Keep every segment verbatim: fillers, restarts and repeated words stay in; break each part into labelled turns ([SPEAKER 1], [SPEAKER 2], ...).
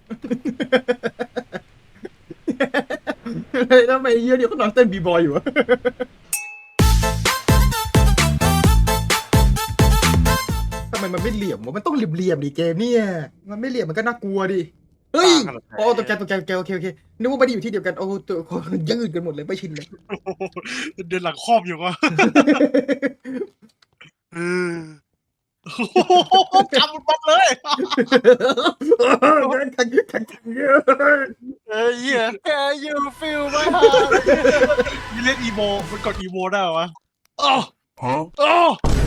[SPEAKER 1] แล้วทำไมเยี่ยเดียวก็นอนเต้นบีบอยอยู่วะทำไมมันไม่เหลี่ยมวะมันต้องเหลี่ยมๆดิเกมเนี่ยมันไม่เหลี่ยมมันก็น่ากลัวดิเฮ้ยโอ้ตัวแกตัวแกตัวแกโอเคโอเคนึกว่าไม่ได้อยู่ที่เดียวกันโอ้ตัวคนยืดกันหมดเลยไม่ชินเลย
[SPEAKER 2] เดินหลังครอบอยู่วะเออกำมันบัดเลย
[SPEAKER 1] แข่งแข่งแข่งเยอะ
[SPEAKER 2] เอ้ยเหี้ย
[SPEAKER 3] Can you feel my heart
[SPEAKER 2] มีเล่นอีโมมันกดอีโมได้เหรอวะอ้ออ้อ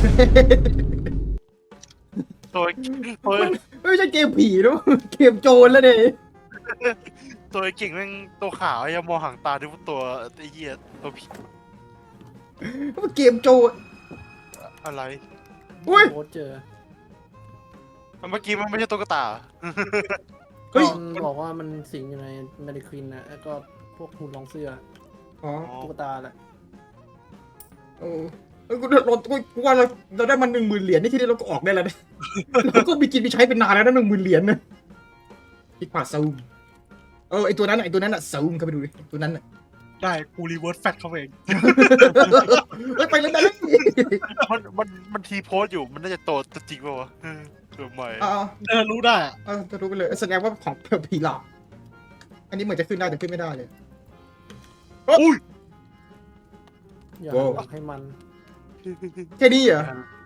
[SPEAKER 3] ตัวตัว
[SPEAKER 1] ไม่ใช่เกมผีนะเกมโจรแล้วเนี่ย
[SPEAKER 3] ตัวเก่งแม่งตัวขาวยังมองหางตาที่ตัวไอ้เหี้ยตัวผี
[SPEAKER 1] มันเกมโจร
[SPEAKER 3] อะไร
[SPEAKER 1] อุ้ย
[SPEAKER 4] โคตรเจอ
[SPEAKER 3] เมื่อกี้มันไม่ใช่ตุ๊กตา
[SPEAKER 1] เฮ้ย
[SPEAKER 4] มันบอกว่ามันสิงอยู่ในแมดิควินนะแล้วก็พวกหุ่นรองเสื้อ
[SPEAKER 1] อ๋อ
[SPEAKER 4] ตุ๊กตาแหละ
[SPEAKER 1] เออเออกูเรากูว่าเราเราได้มันหนึ่งหมื่นเหรียญนี่ที่นี่เราก็ออกได้แล้วนะเราก็มีกินมีใช้เป็นนานแล้วนะหนึ่งหมื่นเหรียญนะคลิกขวาซูมเออไอตัวนั้นไอตัวนั้นอะซูมเข้าไปดูดิตัวนั้นอะ
[SPEAKER 2] ได้กูรีเวิร์สแฟตเข้าไปเอง
[SPEAKER 1] เฮ้ยไปเลยไปเลย
[SPEAKER 3] มันมันมันทีโพสอยู่มันน่าจะโตจริงป่าวะเออตัวใหม่
[SPEAKER 1] อ่า
[SPEAKER 2] เออรู้ได้อะ
[SPEAKER 1] เออจะรู้ไปเลยแสดงว่าของผีหลอกอันนี้เหมือนจะขึ้นได้แต่ขึ้นไม่ได้เลย
[SPEAKER 2] อุ้ย
[SPEAKER 4] อย่า
[SPEAKER 1] โว้ว
[SPEAKER 4] อยากให้มัน
[SPEAKER 1] แค่นี้เหรอ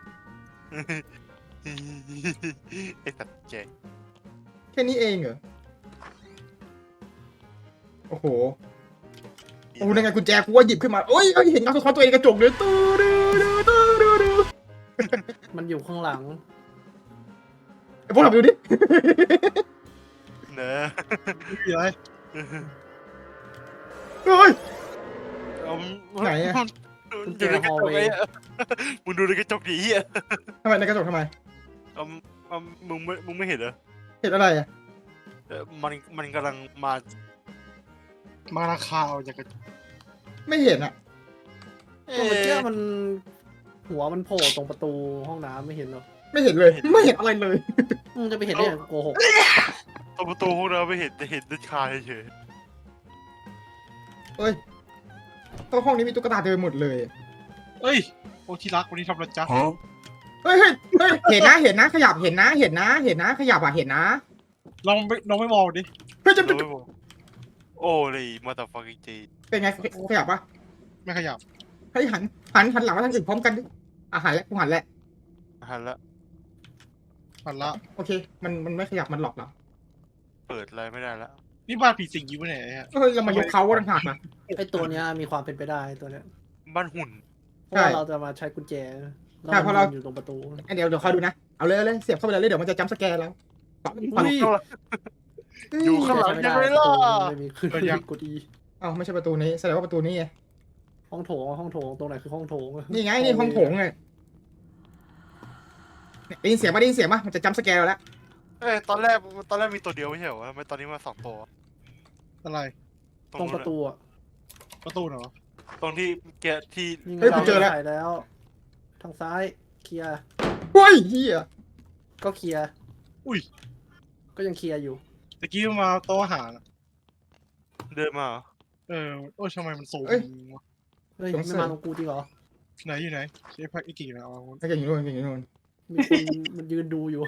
[SPEAKER 3] ไอ้สัตว์เจ๊
[SPEAKER 1] แค่นี้เองเหรอโอ้โหโอ้ยังไงกุญแจกูว่าหยิบขึ้นมาโอ้ยเอ้ยเห็นเงาสะท้อนตัวเองในกระจกเลยตู้ดูดูดูดูดู
[SPEAKER 4] มันอยู่ข้างหลัง
[SPEAKER 1] ไอ้พวกเราไปดูดิ
[SPEAKER 3] เนอะ
[SPEAKER 2] มีอะไร
[SPEAKER 1] เฮ้ย
[SPEAKER 3] เอา
[SPEAKER 1] ไหนอะ
[SPEAKER 3] อยู่ในกระจกไอ้มึงดูในกระจกดิเหี้ย
[SPEAKER 1] ทำไมในกระจกทำไม
[SPEAKER 3] เอาเอามึงไม่มึงไม่เห็นเหรอ
[SPEAKER 1] เห็นอะไรอ่ะ
[SPEAKER 3] เออมันมันกำลังมา
[SPEAKER 2] มาราคาเอาจากกระจก
[SPEAKER 1] ไม่เห็นอ่ะ
[SPEAKER 4] ตัวเมื่อกี้มันหัวมันโผล่ตรงประตูห้องน้ำไม่เห็นหรอ
[SPEAKER 1] ไม่เห็นเลย ไม่เห็นอะไรเลย
[SPEAKER 4] มึงจะไปเห็นได้ยังไงโกหก
[SPEAKER 3] ตรงประตูห้องน้ำไม่เห็นแต่เห็นด้านคาเฉย
[SPEAKER 1] เฮ้ยตัวห้องนี้มีตุ๊กตาเต็มไปหมดเลย
[SPEAKER 2] เอ้ยโอ้ที่รักวันนี้ทำอะไรจ๊ะ
[SPEAKER 1] เฮ้ยเฮ้ยเฮ้ยเห็นนะเห็นนะขยับเห็นนะเห็นนะเห็นนะขยับอ่ะเห็นนะ
[SPEAKER 2] ลองไม่ลองไม่มองดิ
[SPEAKER 1] เฮ้ยจะ
[SPEAKER 3] ๆเราไม่บอกโอ้เลยมาต่อฟังจริง
[SPEAKER 1] เป็นไงขยับปะ
[SPEAKER 2] ไม่ขยับ
[SPEAKER 1] เฮ้ยหันหันหันหลังมาทางอื่นพร้อมกันดิอ่ะหันแล้วกูหันแล้ว
[SPEAKER 3] หันละ
[SPEAKER 2] หันละ
[SPEAKER 1] โอเค มันมันไม่ขยับมันหลอกเรา
[SPEAKER 3] เปิดอะไรไม่ได้ละ
[SPEAKER 2] นี่บ้านผีสิงอยู่ปะเนี่ยไอ้ฮะ
[SPEAKER 1] เฮ้ยเรามายกเขาต่างหากนะ
[SPEAKER 4] ไอตัวเนี้ยมีความเป็นไปได้ตัวเนี้ย
[SPEAKER 3] บ้านหุ่น
[SPEAKER 4] เพราะว่า
[SPEAKER 1] ใช่
[SPEAKER 4] เราจะมาใช้กุญแจแล้ว
[SPEAKER 1] ใช่เพราะเรา
[SPEAKER 4] อยู่ตรงประตู
[SPEAKER 1] เดี๋ยวเดี๋ยวคอยดูนะเอาเลยเอาเลยเสียบเข้าไปเลยเดี๋ยวมันจะจัมป์สแกร์เราปังปัง
[SPEAKER 4] อุ้ย
[SPEAKER 3] อยู่ข้างหลัง
[SPEAKER 4] ใช้
[SPEAKER 3] ยัง
[SPEAKER 4] ไม่
[SPEAKER 3] ไม่
[SPEAKER 4] ได้
[SPEAKER 3] ล่ะ
[SPEAKER 4] ไม่มีขึ้นกดอี
[SPEAKER 1] เอ้าไม่ใช่ประตูนี้แสดงว่าประตูนี้ไง
[SPEAKER 4] ห้องโถงห้องโถงตรงไหนคือห้องโถง
[SPEAKER 1] นี่ไงนี่ห้องโถงไงเนี่ยได้ยินเสียงปะได้ยินเสียงปะมันจะจัมป์สแกร์เราแล้ว
[SPEAKER 3] เอ้ยตอนแรกตอนแรกมีตัวเดียวไม่ใช่เหรอวะทำไมตอนนี้มาสองตัว
[SPEAKER 2] อะไร
[SPEAKER 4] ตรงประตูอ่ะ
[SPEAKER 2] ประตูเหรอ
[SPEAKER 3] ตรงที่แกะที่
[SPEAKER 4] นี่ไง
[SPEAKER 1] เฮ้ยกูเจอแล้ว
[SPEAKER 4] ใส่แล้ว ทางซ้ายเคลียร์
[SPEAKER 1] เฮ้ยเฮีย
[SPEAKER 4] ก็เคลียร์
[SPEAKER 2] อุ้ย
[SPEAKER 4] ก็ยังเคลียร์อยู่
[SPEAKER 2] ตะกี้มาโต๊ะอาหารอะ
[SPEAKER 3] เดินมาเหรอ
[SPEAKER 2] เออโอ้ยทำไมมันสูงวะ
[SPEAKER 4] เฮ้ยไม่มาตรงกูจริงเหรอ
[SPEAKER 2] ไหนอยู่ไหนใช้พักอีกกี่แล้วเอา
[SPEAKER 1] ไอ้เก่งอยู่นู่นเก่งอยู่นู่น
[SPEAKER 4] มีคนมันยืนดูอยู่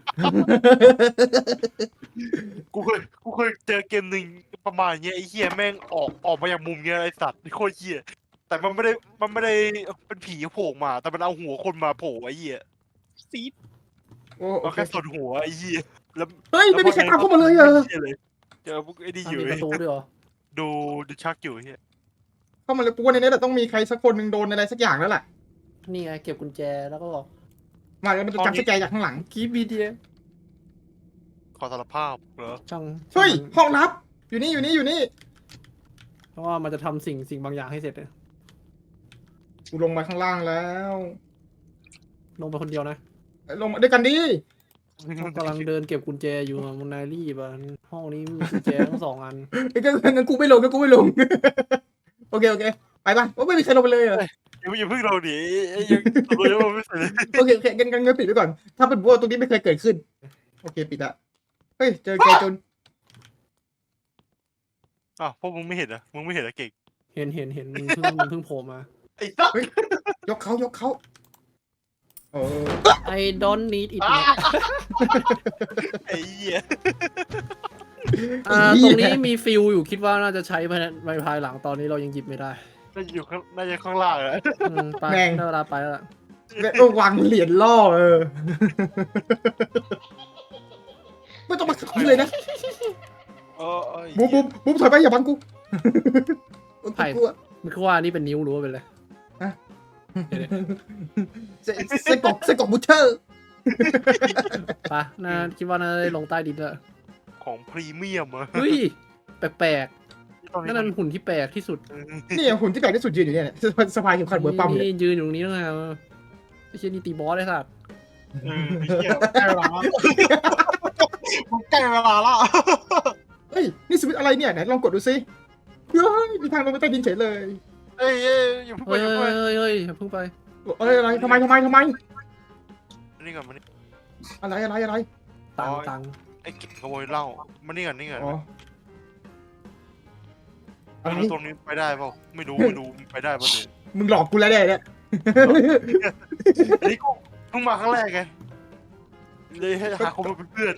[SPEAKER 3] กูเคยกูเคยเจอเกมหนึ่งประมาณเนี้ยไอ้เหี้ยแม่งออกออกมาจากมุมเนี้ยไอ้สัตว์โคตรเหี้ยแต่มันไม่ได้มันไม่ได้เป็นผีโผล่มา แต่มันเอาหัวคนมาโผล่ไอ้เหี้ย
[SPEAKER 2] ซีด
[SPEAKER 1] โอ้โอ
[SPEAKER 3] มัน
[SPEAKER 1] เค
[SPEAKER 3] แค่ส่วนหัวไอ้เหี้ยแล้ว
[SPEAKER 1] เฮ้ยไม่มีใครตามเข้ามาเลยเหรอ
[SPEAKER 3] หี้เลยเจอพวกไอ้นี่
[SPEAKER 4] อ่ะ
[SPEAKER 3] อยู่
[SPEAKER 4] มีประตูด้วยเหรอ
[SPEAKER 3] ดูดูชักอยู่ไอ้เหี้ย
[SPEAKER 1] เข้ามาเลยกูว่าในนี้แหละต้องมีใครสักคนหนึ่งโดนอะไรสักอย่างแล้วแหละ
[SPEAKER 4] นี่ไงเก็บกุญแจแล้วก็บอก
[SPEAKER 1] มาแล้วมันจะจัมป์สแกร์จากข้างหลัง
[SPEAKER 4] กีบีเดีย
[SPEAKER 3] ขอสารภาพเหรอ
[SPEAKER 4] ช่าง
[SPEAKER 1] เฮ้ย
[SPEAKER 4] ช่าง
[SPEAKER 1] ห้องลับ อยู่นี่อยู่นี่อยู่นี่
[SPEAKER 4] เพราะว่ามันจะทำสิ่งสิ่งบางอย่างให้เสร็จเลย
[SPEAKER 1] กูลงมาข้างล่างแล้ว
[SPEAKER 4] ลงไปคนเดียวนะ
[SPEAKER 1] ลงมาด้วยกันดิ
[SPEAKER 4] กำลังเดินเก็บกุญแจอยู่อะมุนนายรีบอะห้องนี้มีกุญแจทั้งสองอัน
[SPEAKER 1] ไอ้ก็งั้นกูไม่ลงก็กูไม่ลง โอเคโอเคไปป่ะโอ้ไม่มีใครลงไปเลยเหรอ
[SPEAKER 3] อย่าอย่าเพิ่งเราดิไอ้ยังตัวยังไม่เสร็จเลย
[SPEAKER 1] โอเคโอเคงั้นงั้นงั้นปิดไว้ก่อน ถ้าเป็นบัวตรงนี้ไม่เคยเกิดขึ้น โอเคปิดละเฮ้ยเจอเจอจน
[SPEAKER 3] อ้าวพวกมึงไม่เห็นเหรอมึงไม่เห็นเหรอเก่ง
[SPEAKER 4] เห็นเห็นเห็นมึงเพิ่งมึงเพิ่งโผล่มา
[SPEAKER 3] ไอ้สัส
[SPEAKER 1] ยกเขายกเขาเออ
[SPEAKER 4] I don't need it
[SPEAKER 3] ไอ้เหี้ย
[SPEAKER 4] อ่าตรงนี้มีฟิลอยู่คิดว่าน่าจะใช้ภายในภายหลังตอนนี้เรายังหยิบไม่ได้
[SPEAKER 3] น่าจะอยู่ข้างน่าจะข้างล่างอะ
[SPEAKER 4] อืมไปได้เวลาไปแล้วล่ะ
[SPEAKER 1] แล้วก็วางเหรียญล่อเออไม่ต้องมาขับเลยนะ
[SPEAKER 3] เออเอ้ย
[SPEAKER 1] บูมบูมบูมถอยไปอย่าบังกูกูกลัว
[SPEAKER 4] มันคือว่านี่เป็นนิ้วหรือว่าเป็นอะไร
[SPEAKER 1] เส้นเส้นกรอกเส้นกรอกบูเชอร์
[SPEAKER 4] ปะน่าคิดว่าน่าจะได้ลงใต้ดินแล้ว
[SPEAKER 3] ของพรีเมียมอะ
[SPEAKER 4] เฮ้ยแปลก
[SPEAKER 3] ตอน
[SPEAKER 4] ๆ
[SPEAKER 3] นี้
[SPEAKER 4] นั่นมันหุ่นที่แปลกที่สุด
[SPEAKER 1] นี่หุ่นที่แปลกที่สุดยืนอยู่เนี่ยสะพายเข็มขัดเบอร์ปั๊มเนี่ย
[SPEAKER 4] นี่ยืนอยู่ตรงนี้แล้วไงไอ้เชี่ยนี่ตีบอสได้สัตว์
[SPEAKER 2] เออไอ้เหี้ยใกล้เวลาแล้วมันใกล้เวลาแล้ว
[SPEAKER 1] เฮ้ยนี่สวิตช์อะไรเนี่ยไหนลองกดดูซิเฮ้ยมีทางลงไปใต้ดินเฉยเลย
[SPEAKER 3] เอ้ยเอ้ยอย่าเพิ่งไป
[SPEAKER 4] เฮ้ย
[SPEAKER 3] อย่า
[SPEAKER 4] เฮ้
[SPEAKER 3] เพิ่งไป
[SPEAKER 4] ยเฮ้ยอย่าเพิ่งไป
[SPEAKER 1] เอ้ยอะไรทำไมทำไมทำไม
[SPEAKER 3] นี่ก่อนมานี่
[SPEAKER 1] อะไรอะไรอะไร
[SPEAKER 4] ตัง
[SPEAKER 3] อ๋อ
[SPEAKER 4] ตัง
[SPEAKER 3] ไอ้เก่งขโมยเหล้ามานี่ก่อนนี่ก่อน
[SPEAKER 1] อ๋ออะไร
[SPEAKER 3] ไม่รู้ตรงนี้ไปได้เปล่าไม่รู้ไม่รู้ไปได้ป่ะเนี่ย
[SPEAKER 1] มึงหลอกกูแล้วเนี่ยเนี่ย
[SPEAKER 3] อันนี้กูเพิ่งมาครั้งแรกไงเลยให้หาคนมาเป็นเพื่อน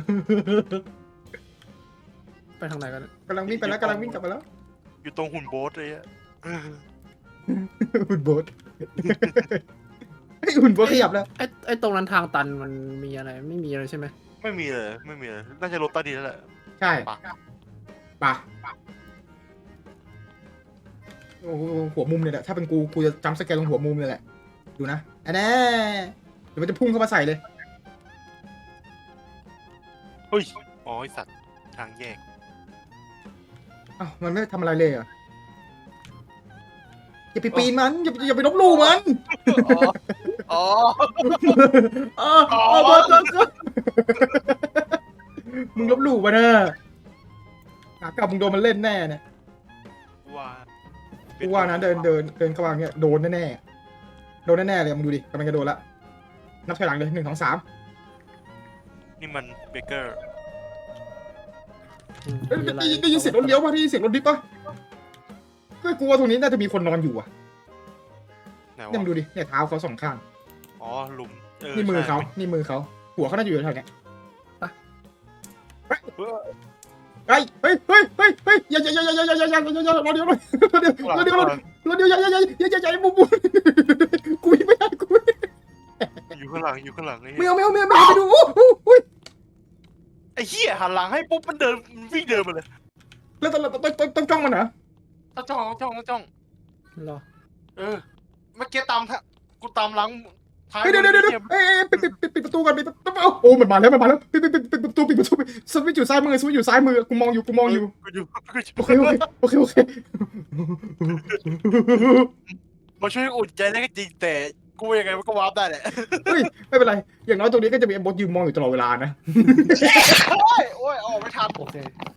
[SPEAKER 4] ไปทางไหนกันเนี่ย
[SPEAKER 1] กำลังวิ่งไปแล้วกำลังวิ่งกลับมาแล้ว
[SPEAKER 3] อยู่ตรงหุ่นโบ๊ทเลยอะ
[SPEAKER 1] หุ่นโบสไอ้ยหุ่นโบสขยับแล้ว
[SPEAKER 4] ไอ้ไอ้ตรงนั้นทางตันมันมีอะไรไม่มีอะไรใช่ไหม
[SPEAKER 3] ไม่มีเลยไม่มีเลยน่าจะรถใต้ดินแล้วแหละ
[SPEAKER 1] ใช่
[SPEAKER 3] ปะ
[SPEAKER 1] ป่ะโอ้โหหัวมุมเนี่ยแหละถ้าเป็นกูกูจะจำสแกนลงหัวมุมเลยแหละดูนะอันนี้เดี๋ยวมันจะพุ่งเข้ามาใส่เลย
[SPEAKER 3] เฮ้ยอ๋อไอสัตว์ทางแยก
[SPEAKER 1] อ้าวมันไม่ทำอะไรเลยเหรออย่าไปปีนมันอย่าอย่าไปลบหลู่มัน
[SPEAKER 3] อ๋ออ๋อ
[SPEAKER 1] เออเออเออเออเออมึงลบหลู่มันเนอะหากลับมึงโดนมันเล่นแน่เนี่ย
[SPEAKER 3] ว่า
[SPEAKER 1] กูว่านะเดินเดินเดินเข้ามาเนี่ยโดนแน่ๆโดนแน่ๆเลยมึงดูดิกำลังจะโดนละนับถอยหลังเลยหนึ่งสองสาม
[SPEAKER 3] นี่มันเบเกอร์
[SPEAKER 4] อืม
[SPEAKER 1] เอ้ย
[SPEAKER 4] มีอะไร
[SPEAKER 1] ได้ยินได้ยินเสียงรถเลี้ยวป่ะได้ยินเสียงรถดิฟป่ะก็กลัวตรงนี้น่าจะมีคนนอนอยู่อ่ะ
[SPEAKER 3] ไหน
[SPEAKER 1] เนี่ยมึง
[SPEAKER 3] วะ
[SPEAKER 1] ดูดิเนี่ยเท้าเขาสองข้าง
[SPEAKER 3] อ๋อหลุมเออ
[SPEAKER 1] นี่มือเขา
[SPEAKER 3] ใช่
[SPEAKER 1] นี่มือเขาหัวเขาน่าจะอยู่แถวๆเนี้ย
[SPEAKER 3] เออ
[SPEAKER 1] เฮ้ยเฮ้ยเฮ้ยเฮ้ยเฮ้ยอย่าอย่าอย่าอย่าอย่าอย่าอย่าอย่าอย่ารอเดียวรอเดียวรอเดียวรอเดียวรอเดียวอย่าอย่าอย่าอย่าอย่าอย่าบุบบุบกูไม่ได้กูไม่ได้
[SPEAKER 3] อยู่ข้างหลังอยู่ข้างหลังไอ้
[SPEAKER 1] ไม่
[SPEAKER 3] เหี้ย
[SPEAKER 1] เอาไม่เอาไม่เอาไม่เอาไปดูโอ้โหอุ้ย
[SPEAKER 3] ไอ้เหี้ยหันหลังให้ปุ๊บมันเดินมันวิ่งเดินมาเลย
[SPEAKER 1] แล้วต้องต้องต้องต้องจ้องมันเหรอ
[SPEAKER 3] ต้องจ้องต้องจ้องต้องจ้อง
[SPEAKER 4] เหรอ
[SPEAKER 3] เออเมื่อกี้ตามทะกูตามหลังท้าย
[SPEAKER 1] เดี๋ยวเดี๋ยวเดี๋ยว
[SPEAKER 3] หี้
[SPEAKER 1] เอ้ยปิดปิดปิดปิดประตูก่อนปิดประตูโอ้มันมาแล้วมันมาแล้วปิดปิดปิดปิดประตูปิดประตูสวิตช์อยู่ซ้ายมือสวิตช์อยู่ซ้ายมือกูมองอยู่กูมองอยู่
[SPEAKER 3] กูอยู่กูอยู่
[SPEAKER 1] โอเคโอเคโอเคโอเค
[SPEAKER 3] มาช่วยอุ่นใจได้ก็จริงแต่กูยังไงมันก็วาร์ปได้แหละ
[SPEAKER 1] เฮ้ยไม่เป็นไรอย่างน้อยตรงนี้ก็จะมีไอ้บอสยืนมองอยู่ตลอดเวลานะ
[SPEAKER 3] โอ้ยโอ้ยออกไม่ทัน
[SPEAKER 4] โอเค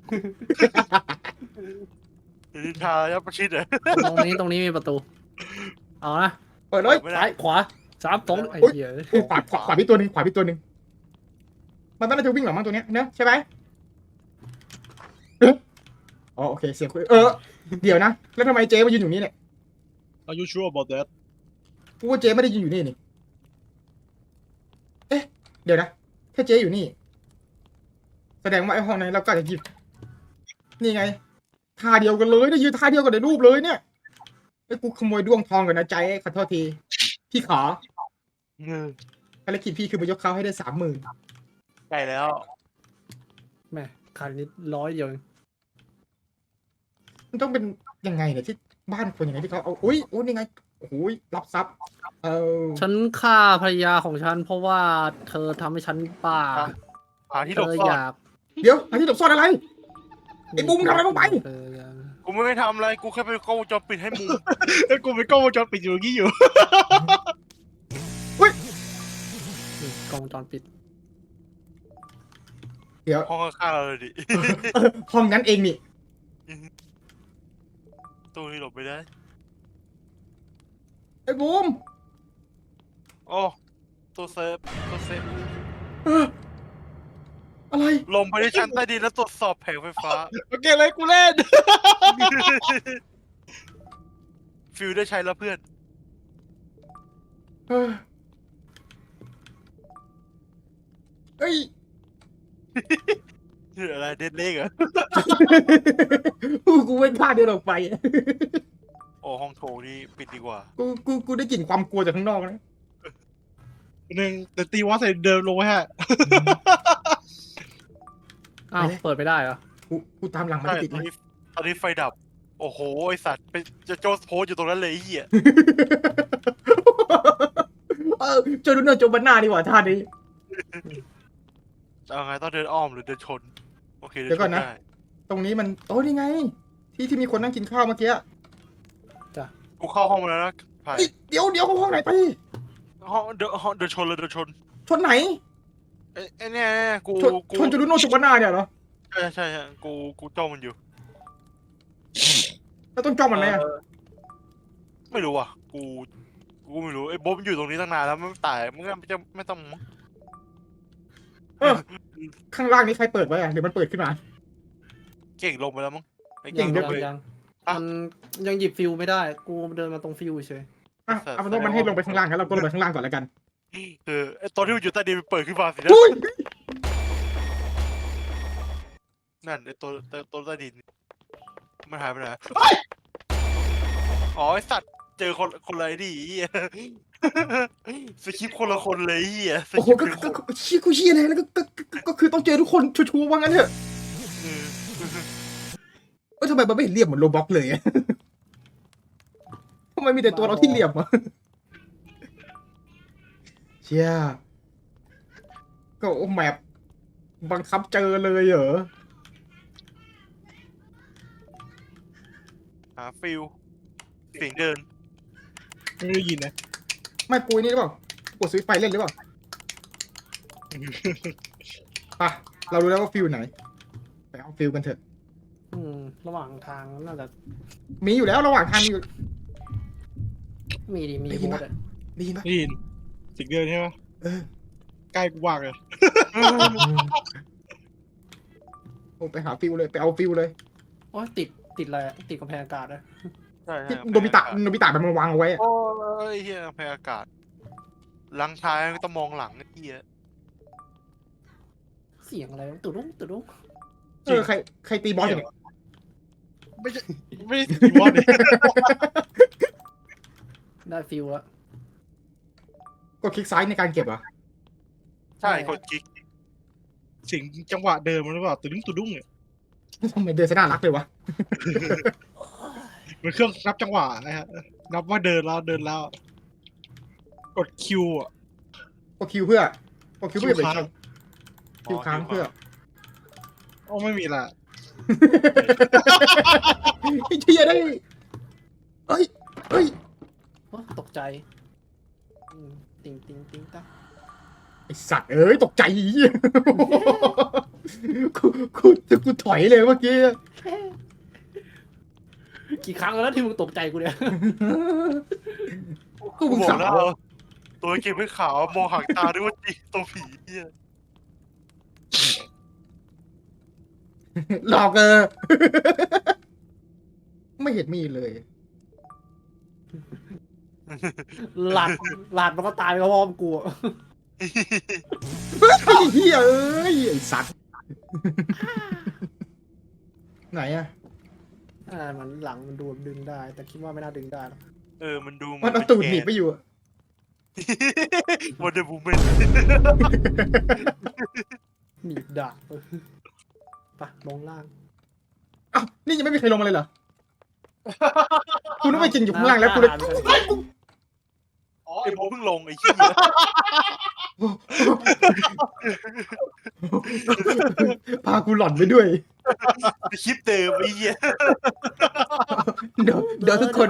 [SPEAKER 3] นินทายับประชิดเลย
[SPEAKER 4] ตรงนี้ตรงนี้มีประตู เอานะ
[SPEAKER 1] เปิดเลย
[SPEAKER 3] ไม่ได้
[SPEAKER 4] ซ้ายขวาสามสองไอ้เหี้ย
[SPEAKER 1] โอ้ขวาขวาขวาพี่ตัวหนึ่งขวาพี่ตัวหนึ่งมันน่าจะวิ่งหลังมั้งตัวเนี้ยเนอะใช่ไหมเอ๊ะอ๋อโอเคเสียงคุยเออเดี๋ยวนะแล้วทำไมเจ๊มายืนอยู่นี่เนี่ย
[SPEAKER 2] Are you sure about that
[SPEAKER 1] กูว่าเจ๊ไม่ได้ยืนอยู่นี่นี่เอ๊ะเดี๋ยวนะถ้าเจ๊อยู่นี่ แสดงว่าไอ้ห้องนั้นเราก็อาจจะหยิบนี่ไงท่าเดียวกันเลยได้ยืนท่าเดียวกันในรูปเลยเนี่ยไอ้ยกูขโมยด้วงทองกันนะใจขอโทษทีพี่ขอ
[SPEAKER 3] เออ
[SPEAKER 1] ภารกิจพี่คือมายกเขาให้ได้สามหมื่น
[SPEAKER 3] ใกล้แล้ว
[SPEAKER 4] แม่ขาดนิดร้อยเดียวเอง
[SPEAKER 1] มันต้องเป็นยังไงเนี่ยที่บ้านคนยังไงที่เขาเอาอุ้ยโอ้นี่ไงโอ้ยรับทรัพย์เออ
[SPEAKER 4] ฉันฆ่าภรรยาของฉันเพราะว่าเธอทำให้ฉันบ้า
[SPEAKER 3] หาที่
[SPEAKER 4] เธ
[SPEAKER 3] หลบ
[SPEAKER 4] อ
[SPEAKER 3] ซ่อ
[SPEAKER 4] อน ยาก
[SPEAKER 1] เดี๋ยวอันที่หลบซ่อนอะไร ไอ้บูมทำอะไรลงไป
[SPEAKER 4] เธออยาก
[SPEAKER 3] กูไม่ได้ทำอะไรกูแค่ไปกล้องวงจรปิดให้มึง
[SPEAKER 2] แล้วกูไปกล้องวงจรปิดอยู่อย่างงี้อยู่
[SPEAKER 4] นี่กล้องวงจรปิด
[SPEAKER 1] เดี๋ยว
[SPEAKER 3] ห้องข้างๆเราเลยดิ
[SPEAKER 1] ห้องนั้นเองนี่
[SPEAKER 3] ตู้นี้หลบไม่ได้
[SPEAKER 1] ไอ้บูม
[SPEAKER 3] โอ้ตู้เซฟตู้เซฟ
[SPEAKER 1] อะไร
[SPEAKER 3] ลงไปในชั้นใต้ดินแล้วตรวจสอบแผงไฟฟ้า
[SPEAKER 2] โอเคเลยกูเล่น
[SPEAKER 3] ฟิลได้ใช้แล้วเพื่อน
[SPEAKER 1] เฮ้ยเอ้ย
[SPEAKER 3] อะไรเด็ดเล็กเหรอ
[SPEAKER 1] กูกูไม่กล้าเดินออกไป
[SPEAKER 3] โอ้ห้องโถงนี่ปิดดีกว่า
[SPEAKER 1] กูกูกูได้กลิ่นความกลัวจากข้างนอกนะ
[SPEAKER 2] หนึ่งแต่ตีวอสใส่เดินลงไว้ฮะ
[SPEAKER 4] อ้าวเปิดไม่ได้เหรอ
[SPEAKER 1] กูกูตามหลังมัน
[SPEAKER 3] ใช่
[SPEAKER 1] ไม่ติด
[SPEAKER 3] ตอน
[SPEAKER 1] นะ
[SPEAKER 3] นี้ตอนนี้ไฟดับ โอ้โหไอสัตว์ไปจะโจสโพสอยู่ตรงนั้นเลยไอ้เหี้ย
[SPEAKER 1] เออโจดูเนอร์โจบันหน้าดีกว่าท่านี้
[SPEAKER 3] จะเอาไงต้องเดินอ้อมหรือเดินชน โอเคเดิ
[SPEAKER 1] เดี๋ยวก่อนนะ
[SPEAKER 3] ชได้
[SPEAKER 1] ตรงนี้มันโอ้นี่ไง ที่ที่มีคนนั่งกินข้าวเมื่อกี้
[SPEAKER 3] กูเข้าห้องมาแล้วนะไผ่
[SPEAKER 1] เอ้ยเดี๋ยวเดี๋ยวเข้าห้องไหนไป
[SPEAKER 3] ห้องเดินห้องเดินชนเลยเดินชน
[SPEAKER 1] ชนไหน
[SPEAKER 3] เอ้ยไอ้เนี่ยเนี่ยกู
[SPEAKER 1] ชน
[SPEAKER 3] กู
[SPEAKER 1] ชนโจดูโนโจบันหน้าเนี่ยเหรอ
[SPEAKER 3] ใช่ใช่ใช่กูกูจ้องมันอยู่
[SPEAKER 1] แล้วต้องจ้องมันไหมอะ
[SPEAKER 3] เออไม่รู้อ่ะ กู กูไม่รู้ไอ้บ๊อบมันอยู่ตรงนี้ตั้งนานแล้วมันตายมันก็จะไม่ต้องมั้ง
[SPEAKER 1] เออข้างล่างนี้ใครเปิดไว้อะหรือมันเปิดขึ้นมา
[SPEAKER 3] เก่งลงไปแล้วมั้งไอ้
[SPEAKER 1] เก่
[SPEAKER 3] เก่
[SPEAKER 1] ง
[SPEAKER 3] ง
[SPEAKER 1] ด้
[SPEAKER 3] ล
[SPEAKER 1] วย
[SPEAKER 3] งไป
[SPEAKER 4] ยัง
[SPEAKER 3] อ่ะ
[SPEAKER 4] มันยังหยิบฟิวไม่ได้ กูเดินมาตรงฟิวเฉย
[SPEAKER 1] อ่ะเอาเป็นว่ามันให้ลงไปข้างล่างงั้นเราก็ลงไปข้างล่างก่อนแล้วกัน
[SPEAKER 3] เออไอ้ตอนที่มันอยู่ใต้ดินมันเปิดขึ้นมาสินะ
[SPEAKER 1] อุ้ย
[SPEAKER 3] นั่นไอ้ตัวตัวตัวใต้ดินมันหายไปไหนอ๋อไอ้สัตว์เจอคนคนอะไรดิเหี้ยสคริปต์คนละคนเลยเหี้ยส
[SPEAKER 1] โอ้
[SPEAKER 3] ค
[SPEAKER 1] โห
[SPEAKER 3] ริปต์
[SPEAKER 1] ก็
[SPEAKER 3] เป็นค
[SPEAKER 1] ก็
[SPEAKER 3] น
[SPEAKER 1] ก็เชี่ยกูเชี่ยเลยแล้วก็ก็ก็ก็คือต้องเจอทุกคนชัวร์ๆว่างั้นเถอะ
[SPEAKER 3] เออ
[SPEAKER 1] เออทำไมมันไม่เห็นเหลี่ยมเหมือนโรบ็อกเลยอะทำไมมีแต่ตัวเราที่เหลี่ยมอะเชี่ยก็โอ้แมปบังคับเจอเลยเหรอ
[SPEAKER 3] หาฟิลเสียงเดิน
[SPEAKER 2] ไม่ได้ยินนะ
[SPEAKER 1] ไม่ปุยนี่หรือเปล่า กดสวิตช์ไฟเล่นหรือเปล่าปะเรารู้แล้วว่าฟิลไหน ไปเอาฟิลกันเถอะ
[SPEAKER 4] ๆอืม ระหว่างทางน่าจะ
[SPEAKER 1] มีอยู่แล้วระหว่างทางมีอยู่
[SPEAKER 4] มีดีมี
[SPEAKER 1] ได้ยิน
[SPEAKER 4] โบ
[SPEAKER 1] ปะ
[SPEAKER 4] สอะ
[SPEAKER 1] ดีปะ
[SPEAKER 2] ได้ยินเสิ่งเดินใช่ไหม
[SPEAKER 1] เออ
[SPEAKER 2] ใกล้กูวางเลย
[SPEAKER 1] โอ้ไปหาฟิลเลย ไปเอาฟิลเลย
[SPEAKER 4] โอ้ยติดติดอะไรอะติดกำแพงอากาศอะ
[SPEAKER 3] ใช่
[SPEAKER 1] ที่
[SPEAKER 3] ใช่
[SPEAKER 1] โนบิตะโนบิตะมันมาวางเอาไว้อะ
[SPEAKER 3] โอ้ยเฮียแพ้อากาศหลังท้ายก็ต้องมองหลังไอ้เฮีย
[SPEAKER 4] เสียงอะไรวะตุดุ้งตุดุ้ง
[SPEAKER 1] เออใครใครตีบอสอยู่เนี่ย
[SPEAKER 2] ไม่ใช่ไม่ใช่ตีวอสเนี่ย
[SPEAKER 4] ได้ฟิวแล้ว
[SPEAKER 1] กดคลิกซ้ายในการเก็บเหรอ่ะ
[SPEAKER 3] ใช่คนกิ๊ก
[SPEAKER 2] เสียงจังหวะเดินมันหรือเปล่าตุ้ดุ้งตุ้ดุ้งเนี่ย
[SPEAKER 1] ทำไมเดินซะน่ารักเลยวะ
[SPEAKER 2] มันเครื่องนับจังหวะนะฮะนับว่าเดินแล้วเดินแล้ว กดคิวอ่ะ
[SPEAKER 1] กดคิวเพื่อกดคิวเพื่อ
[SPEAKER 2] คิว
[SPEAKER 1] ไป
[SPEAKER 2] ค้าง
[SPEAKER 1] คิวค้างเพื่อ
[SPEAKER 2] โอ้ไม่มีละ
[SPEAKER 1] ไอ้เชี่ยได้เอ้ยเอ้ย
[SPEAKER 4] โอ้ตกใจอืมติงติงติงตา
[SPEAKER 1] ไอสัตว์เอ้ยตกใจเหี้ยกูกูกูถอยเลยเมื่อกี้
[SPEAKER 4] กี่ครั้งแล้วที่มึงตกใจกูเนี่ย
[SPEAKER 1] กูมึง
[SPEAKER 3] บอ
[SPEAKER 1] สาก
[SPEAKER 3] แล้ว
[SPEAKER 1] ว
[SPEAKER 3] ตัวเก็บไม่ขาวมองหางตาด้วยว่าจีตัวผีเฮีย
[SPEAKER 1] หลอกเออ ไม่เห็นมีเลย
[SPEAKER 4] หลาดหลาดมันก็ตายไปพร้อมกูอะ
[SPEAKER 1] ไอ้เหี้ยเอ้ยไอ้สัตว์ ไหนอะ
[SPEAKER 4] อ่ามันหลังมันดูดึงได้ แต่คิดว่าไม่น่าดึงได้หรอก
[SPEAKER 3] เออมันดู
[SPEAKER 1] มันเอาตูดหนีบไปอยู่อะ
[SPEAKER 3] วันเดอร์บูแมน
[SPEAKER 4] หนีบดาบไปลงล่าง
[SPEAKER 1] อ้าวนี่ยังไม่มีใครลงมาเลยเหรอกูนึกว่าจริงอยู่ข้างล่างแล้วกูเลย
[SPEAKER 3] อ๋อไอ้โบเพิ่งลงไอ้เหี้ย
[SPEAKER 1] พากูหล่อนไปด้วย
[SPEAKER 3] คลิปเดิมไอ้เหี้ย
[SPEAKER 1] เดี๋ยวเดี๋ยวทุกคน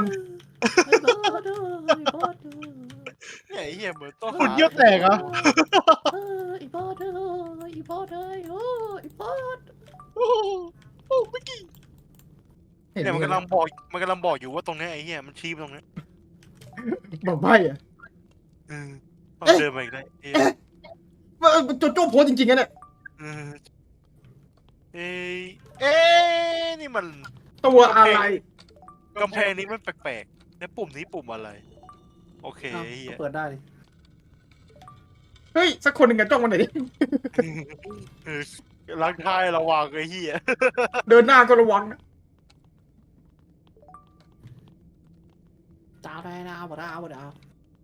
[SPEAKER 3] เนี่ยไอ้เหี้ยเหมือนต้อง
[SPEAKER 2] คุณเยี่ยวแตกเหรอ่ะ
[SPEAKER 4] อีบอสเอ้ยอีบอสเอ้ยโอ้อีบอส
[SPEAKER 2] โอ้โหไม่กี่
[SPEAKER 1] เห็น
[SPEAKER 3] เนี่ยมัน
[SPEAKER 1] ไหม
[SPEAKER 3] กำลังบอกมันกำลังบอกอยู่ว่าตรงเนี้ยไอ้เหี้ยมันชี้ไปตรงเนี้ย
[SPEAKER 1] บอกใบ้อะ
[SPEAKER 3] เออต้องเดินมาอีกได้เออ
[SPEAKER 1] ว่าโจโจ้โพสจริงๆนะเนี่ย
[SPEAKER 3] เออเอ้ยเอ้ยนี่มัน
[SPEAKER 1] ตัวอะไร
[SPEAKER 3] กำแพงนี้มันแปลกๆแล้วปุ่มนี้ปุ่มอะไร โอเค
[SPEAKER 4] อ้าว
[SPEAKER 3] ไอ้เหี้
[SPEAKER 4] ก็
[SPEAKER 3] ย
[SPEAKER 4] เปิดได้นี่
[SPEAKER 1] เฮ้ยสักคนหนึ่งกันจ้องมาหน่อยดิ
[SPEAKER 3] เออล้างท้ายระวังไอ้เหี้ย
[SPEAKER 1] เดินหน้าก็ระวังนะ
[SPEAKER 4] จ้าได้ดาวบ่ดาวบ่ดาว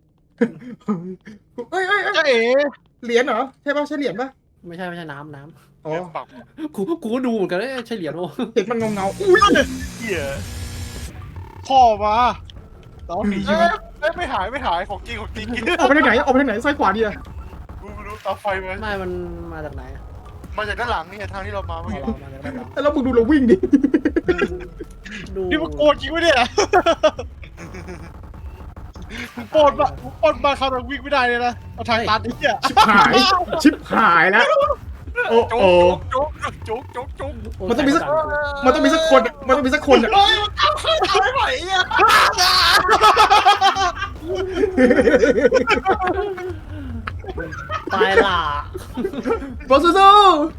[SPEAKER 1] เอ้ยเอ้ยเอ้ย
[SPEAKER 2] จ้าเอ๋
[SPEAKER 1] เหรียญเหรอใช่ป่ะใช่เหรียญป่ะ
[SPEAKER 4] ไม่ใช่ไม่ใช่น้ำน้
[SPEAKER 1] อ๋อ
[SPEAKER 3] ปัก
[SPEAKER 4] ำกูกูก็ดูเหมือนกันเอ้ยใช่เหรียญโอ้
[SPEAKER 1] เห็นมันเงาเงาๆอุ้ย
[SPEAKER 3] เหี้ย
[SPEAKER 2] พ่อมาตอนหนี
[SPEAKER 3] เอ้
[SPEAKER 2] ใช่ไหม
[SPEAKER 3] ยเอ้ยไม่หายไม่หายของจริงของจริง
[SPEAKER 1] ออกไปทางไหนออกไปทางไหนซ้ายขวาดีอะ
[SPEAKER 3] กูไม่รู้ตาไฟมา
[SPEAKER 4] ไม่มันมาจากไหนอะ
[SPEAKER 3] มาจากด้านหลังนี่ทางที่เรามาเมื่อ
[SPEAKER 4] เอา
[SPEAKER 3] กี้
[SPEAKER 4] เรามาจากด้านหลัง
[SPEAKER 1] แล้วมึงดูเราวิ่งดิ
[SPEAKER 4] ดู
[SPEAKER 2] นี่มันโกรธจริงไหมเนี่ยมึงปล้นมามึงปล้นมาเขาแต่วิ่งไม่ได้เลยนะเอาทางตันไอ้เหี้ย
[SPEAKER 1] ชิบหาย ชิบหายแล้ว โอ้
[SPEAKER 3] โจ๊
[SPEAKER 1] โอ้
[SPEAKER 3] กโจ๊กโจ๊กโจ๊กโจ๊ก
[SPEAKER 4] โอ้
[SPEAKER 1] มันต้องมีสัก
[SPEAKER 4] ใส่
[SPEAKER 1] มันต้องมีสักคนอะมันต้องมีสักคนอะ
[SPEAKER 3] เฮ้ยมันเอาขึ้นเอาไม่ไหวอ่ะ
[SPEAKER 4] ตายล่ะ
[SPEAKER 1] บอสซู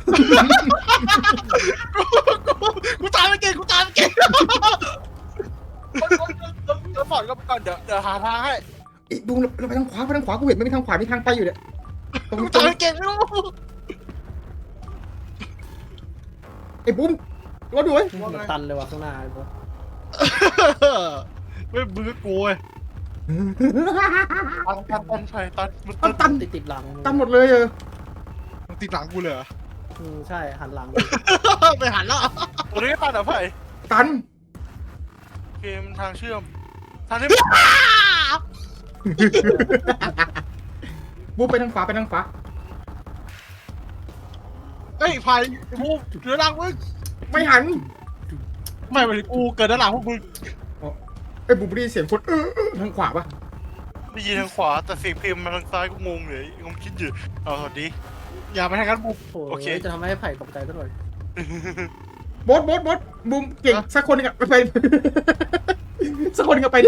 [SPEAKER 2] กูตามไม่เก่งกูตามไม่เก่ง
[SPEAKER 3] เดี๋ยวก่อนก็ไปก่อนเดี๋ยวเดี๋ยวหาทางให้
[SPEAKER 1] อีกดูเราไปทางขวาไปทางขวากูเห็นไม่มีทางขวามีทางไปอยู่เนี่ยตรง
[SPEAKER 2] กู
[SPEAKER 1] ตร
[SPEAKER 2] ตาม
[SPEAKER 1] ง
[SPEAKER 2] ไม่เก่งไม่รู้
[SPEAKER 1] ไอ้บุ้มรอดูไว้
[SPEAKER 4] มันตันเลยว่ะข้างหน้าไอ้พวก
[SPEAKER 2] ไม่มือกูเว้ย
[SPEAKER 3] ตันตันตันใช่ตันมัน
[SPEAKER 1] ตันตัน
[SPEAKER 4] ติดติดหลัง
[SPEAKER 1] ตันหมดเลยเออ
[SPEAKER 2] มึงติดหลังกูเลยเหรอ
[SPEAKER 4] อืมใช่หันหลัง
[SPEAKER 2] ไปหันแล้ว
[SPEAKER 3] ตรงนี้ตันเหรอไผ่
[SPEAKER 1] ตัน
[SPEAKER 3] เกมทางเชื่อมทางนี้
[SPEAKER 1] บุ้มไปทางขวาไปทางขวา
[SPEAKER 2] เฮ้ยพายกูเหลือหลังมึง
[SPEAKER 1] ไม่หัน
[SPEAKER 2] ไม่ไปกูเกิดด้านหลังพวกมึง
[SPEAKER 1] ไอ้บุ้มได้ยินเสียงคนเออเออทางขวาปะ
[SPEAKER 3] ได้ยินทางขวาแต่เสียงเพลงมาทางซ้ายก็งงเลยงงคิดอยู่เอาสวัสดี
[SPEAKER 2] อย่าไปทางนั้นบุก
[SPEAKER 4] โอ้
[SPEAKER 3] โอเค
[SPEAKER 4] ยจะทำให้ไผ่ตกใจซะหน่อย
[SPEAKER 1] บอสบอสบอสบุ้มเก่งสักคนหนึงอะไปไป สักคนหนึงอะไปดิ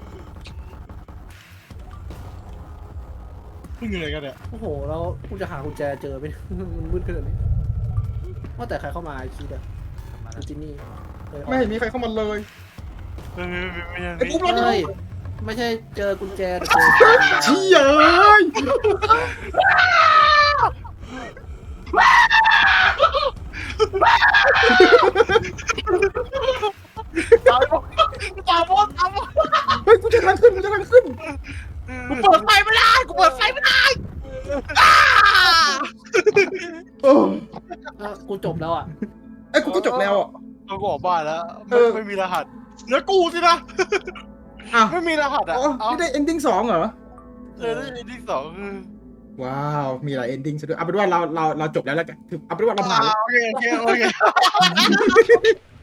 [SPEAKER 2] มึงอยู่ไหนกันเนี่ย
[SPEAKER 4] โอ้โหแล้วกูจะหากุญแจเจอไหม มันมืดขนาดนี้ว่าแต่ใครเข้ามาไอ้คิดอะคุณจินนี่เอ้ย
[SPEAKER 1] ไม่เห็นมีใครเข้ามาเลย
[SPEAKER 3] ไม่ไม่ไม่ไม่
[SPEAKER 1] ไอ้บุ้มรอด
[SPEAKER 4] เฮ้ยไม่ใช่เจอกุญแจแต่เจอกุญแจ
[SPEAKER 1] เชี่ยเอ้ย
[SPEAKER 3] ตายหมดตายหมดตายหมด
[SPEAKER 1] เฮ้ยกูจะทางขึ้นกูจะทางขึ้น
[SPEAKER 2] กูเปิดไฟไม่ได้กูเปิดไฟไม่ได้
[SPEAKER 1] โอ้
[SPEAKER 4] เอ้ากูจบแล้วอ่ะ
[SPEAKER 1] ไอ้ยกูก็จบแล้วอ่ะ
[SPEAKER 3] เราก็ออกบ้านแล้ว
[SPEAKER 1] เออ
[SPEAKER 3] ไม่มีรหัส
[SPEAKER 2] เหลือกูสินะ
[SPEAKER 1] อ้าว
[SPEAKER 3] ไม่มีรหัสอ่ะ
[SPEAKER 1] อ๋อ
[SPEAKER 3] เอา
[SPEAKER 1] นี่ได้ ending สองเหรอ
[SPEAKER 3] เออได้ที่สองคือ
[SPEAKER 1] ว้าว มีหลาย ending ซะด้วยเอาเป็นว่าเราเราเราจบแล้วแล้วกันคือเอาเป็นว่าเราผ่านแล้ว
[SPEAKER 2] โอเคโอเคโอเค